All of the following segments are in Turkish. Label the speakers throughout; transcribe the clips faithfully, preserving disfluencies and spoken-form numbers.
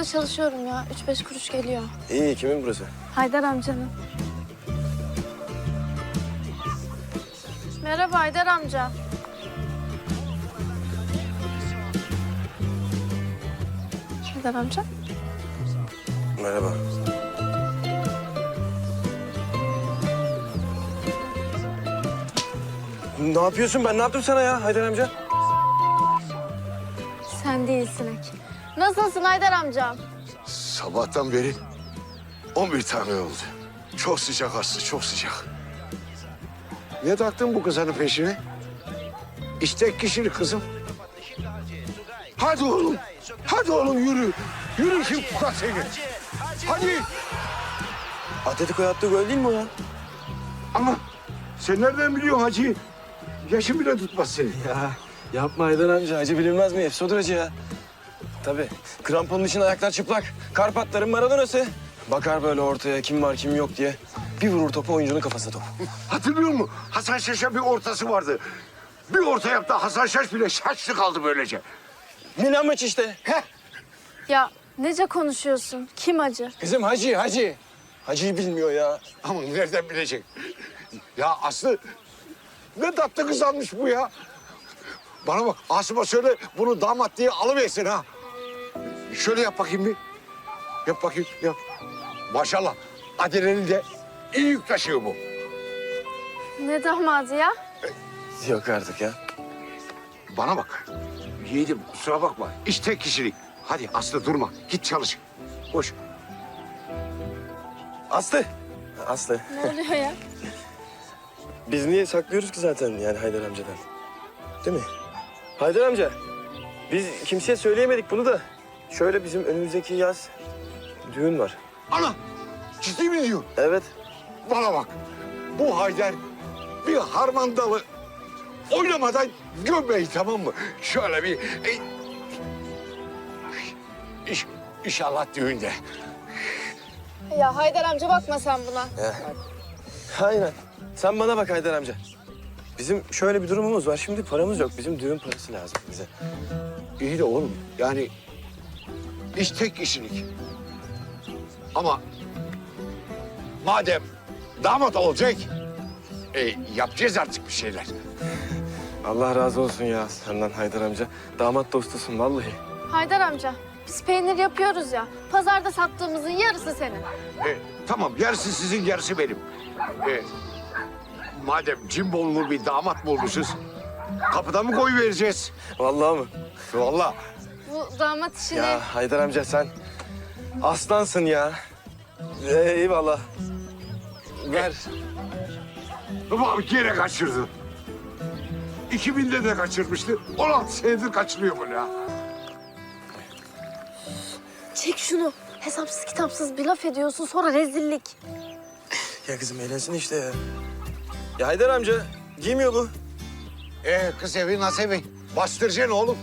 Speaker 1: çalışıyorum ya. Üç beş kuruş geliyor.
Speaker 2: İyi, kimin burası?
Speaker 1: Haydar amcanın. Merhaba Haydar amca. Haydar amca.
Speaker 2: Merhaba. Ne yapıyorsun? Ben ne yaptım sana ya Haydar amca?
Speaker 1: Sen değilsin Ek. Nasılsın Haydar amcam?
Speaker 3: Sabahtan beri on bir tane oldu. Çok sıcak Aslı, çok sıcak. Niye taktın bu kızanın peşine? İstek kişilik kızım. Hadi oğlum, hadi oğlum yürü. Yürü kim tutar seni. Hadi.
Speaker 2: Atletico'ya attığı gol değil mi o ya?
Speaker 3: Ama sen nereden biliyorsun hacı? Yaşın bile tutmaz seni.
Speaker 2: Ya yapma Haydar amca. Acı bilinmez mi? Efsodur acı ya. Tabii. Kramponun için ayaklar çıplak. Karpatların Maradona'sı. Bakar böyle ortaya kim var kim yok diye. Bir vurur topu oyuncunun kafasına top.
Speaker 3: Hatırlıyor musun? Hasan Şaş'a bir ortası vardı. Bir orta yaptı Hasan Şaş bile şaşlı kaldı böylece.
Speaker 2: Milan maç işte.
Speaker 3: Heh.
Speaker 1: Ya nece konuşuyorsun? Kim acı?
Speaker 2: Kızım Hacı, Hacı. Hacı'yı bilmiyor ya.
Speaker 3: Ama nereden bilecek? Ya Aslı ne tatlı kız almış bu ya. Bana bak Asım'a söyle bunu damat diye alıversin ha. Şöyle yap bakayım bir. Yap bakayım yap. Maşallah Adile'nin de iyi yük taşıyor bu.
Speaker 1: Ne damadı ya?
Speaker 2: Yok artık ya.
Speaker 3: Bana bak. Yiğidim kusura bakma. İş tek kişilik. Hadi Aslı durma. Git çalış. Koş.
Speaker 2: Aslı. Aslı.
Speaker 1: Ne oluyor ya?
Speaker 2: Biz niye saklıyoruz ki zaten yani Haydar amcadan? Değil mi? Haydar amca, biz kimseye söyleyemedik bunu da. Şöyle bizim önümüzdeki yaz düğün var.
Speaker 3: Ana! Ciddi mi diyor?
Speaker 2: Evet.
Speaker 3: Bana bak. Bu Haydar bir harmandalı oynamadan gömmeyi tamam mı? Şöyle bir... E, iş, inşallah düğünde.
Speaker 1: Ya Haydar amca bakma sen buna.
Speaker 2: Aynen. Sen bana bak Haydar amca. Bizim şöyle bir durumumuz var. Şimdi paramız yok. Bizim düğün parası lazım bize.
Speaker 3: İyi de oğlum yani iş tek kişilik. Ama madem damat olacak e, yapacağız artık bir şeyler.
Speaker 2: Allah razı olsun ya senden Haydar amca. Damat dostusun vallahi.
Speaker 1: Haydar amca, biz peynir yapıyoruz ya. Pazarda sattığımızın yarısı senin.
Speaker 3: E, tamam yarısı sizin yarısı benim. E, madem cimbollu bir damat bulmuşuz kapıda mı koy vereceğiz?
Speaker 2: Vallahi mı?
Speaker 3: Vallahi.
Speaker 1: Bu damat işini...
Speaker 2: Ya Haydar amca sen aslansın ya. Ee, eyvallah. Ver.
Speaker 3: Baba bir kere kaçırdı. iki binde de kaçırmıştı. on altı senedir kaçırıyor bunu ya.
Speaker 1: Çek şunu. Hesapsız kitapsız bir laf ediyorsun sonra rezillik.
Speaker 2: Ya kızım eğlensin işte ya. Ya Haydar amca giymiyor bu.
Speaker 3: Ee kız evi nasıl evi? Bastıracaksın oğlum.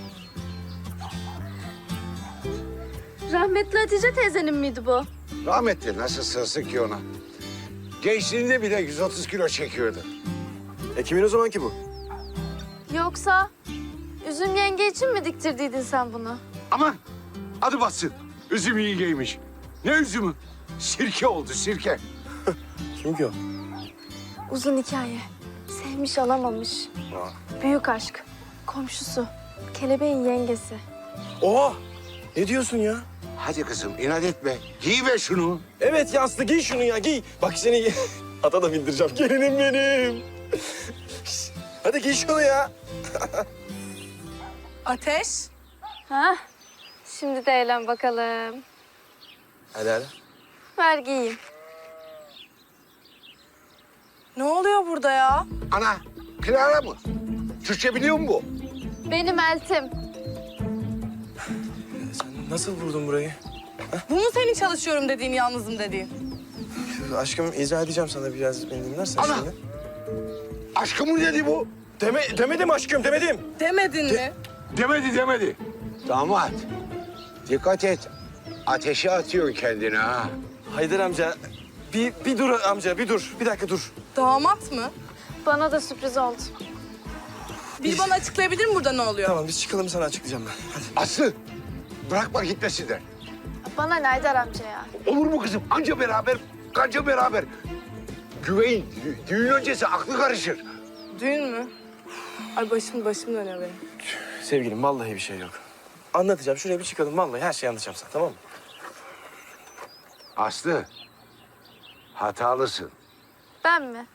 Speaker 1: Rahmetli Hatice teyzenin miydi bu?
Speaker 3: Rahmetli nasıl sığsın ki ona? Gençliğinde bile yüz otuz kilo çekiyordu.
Speaker 2: E kimin o zaman ki bu?
Speaker 1: Yoksa Üzüm yenge için mi diktirdiydin sen bunu?
Speaker 3: Aman adı batsın. Üzüm iyi giymiş. Ne üzümü? Sirke oldu sirke.
Speaker 2: Kim ki o?
Speaker 1: Uzun hikaye. Sevmiş alamamış.
Speaker 2: Aa.
Speaker 1: Büyük aşk. Komşusu. Kelebeğin yengesi.
Speaker 2: Oha! Ne diyorsun ya?
Speaker 3: Hadi kızım inat etme. Giy ver şunu.
Speaker 2: Evet ya Aslı giy şunu ya giy. Bak seni ata da bindireceğim. Gelinim benim. Hadi giy şunu ya.
Speaker 4: Ateş.
Speaker 1: Ha? Şimdi de eğlen bakalım.
Speaker 2: Hadi hadi.
Speaker 1: Ver giyeyim.
Speaker 4: Ne oluyor burada ya?
Speaker 3: Ana Clara mı? Türkçe biliyor mu bu?
Speaker 1: Benim eltim.
Speaker 2: Sen nasıl vurdun burayı?
Speaker 4: Bu mu senin çalışıyorum dediğin, yalnızım dediğin?
Speaker 2: Aşkım izah edeceğim sana biraz beni dinlersen
Speaker 3: Ana!
Speaker 2: şimdi.
Speaker 3: Aşkımın dedi bu.
Speaker 2: Deme, demedim aşkım demedim.
Speaker 4: Demedin mi?
Speaker 3: Demedi demedi. Damat. Dikkat et. Ateşe atıyorsun kendini ha.
Speaker 2: Haydar amca bir, bir dur amca bir dur. Bir dakika dur.
Speaker 4: Damat mı?
Speaker 1: Bana da sürpriz oldu.
Speaker 4: Bir bana açıklayabilir mi burada ne oluyor?
Speaker 2: Tamam biz çıkalım sana açıklayacağım ben. Hadi.
Speaker 3: Aslı bırakma gitmesinler.
Speaker 1: Bana ne Haydar amca ya?
Speaker 3: Olur mu kızım? Anca beraber, kanca beraber. Güveyin, dü- düğün öncesi aklı karışır.
Speaker 4: Düğün mü? Ay başım başım dönüyor benim.
Speaker 2: Sevgilim vallahi bir şey yok. Anlatacağım. Şuraya bir çıkalım. Vallahi her şeyi anlatacağım sana, tamam mı?
Speaker 3: Aslı, hatalısın.
Speaker 1: Ben mi?